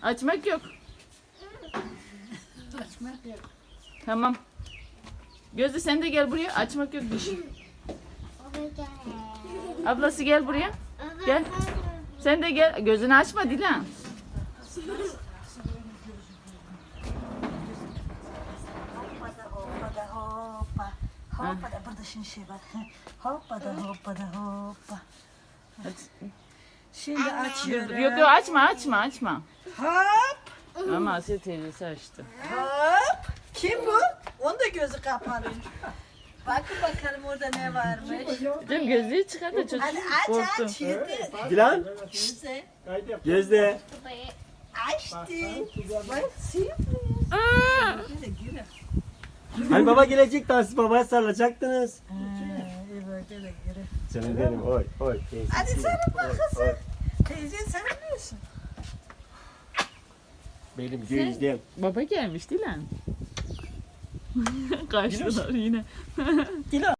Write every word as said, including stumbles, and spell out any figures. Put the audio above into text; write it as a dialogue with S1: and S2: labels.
S1: Açmak yok.
S2: Açmak yok.
S1: Tamam. Gözde sen de gel buraya. Açmak yok diş. Ablası gel buraya. Gel. Sen de gel. Gözünü açma Dilan.
S2: Hoppada hoppada hoppa. Hoppada burada şimdi şey var. Hoppada hoppada hoppa. Şimdi açıyorum.
S1: Yok yok açma açma açma.
S2: Hop
S1: Ama Asiye teyzesi açtı.
S2: hop. Kim bu? Onun da gözü kapalı. Bakın bakalım orada ne varmış.
S1: Canım gözlüğü çıkar da çocuk
S2: Hadi aç
S1: korktu.
S2: aç yedi.
S3: Dilan,
S2: Güzel.
S3: Gözde.
S2: Açtı. Bak sürpriz. Güle güle.
S3: Hani baba gelecek daha siz babaya sarılacaktınız.
S2: Ha, iyi bak güle güle.
S3: Canım benim, oy oy.
S2: Hadi
S3: teyzeciğim,
S2: sarıl
S3: oy,
S2: bakasın.
S3: oy.
S2: Teyze sen biliyorsun.
S3: Benim gözdem.
S1: Baba gelmiş Dilan. Kaçtılar yine.
S2: Dilan.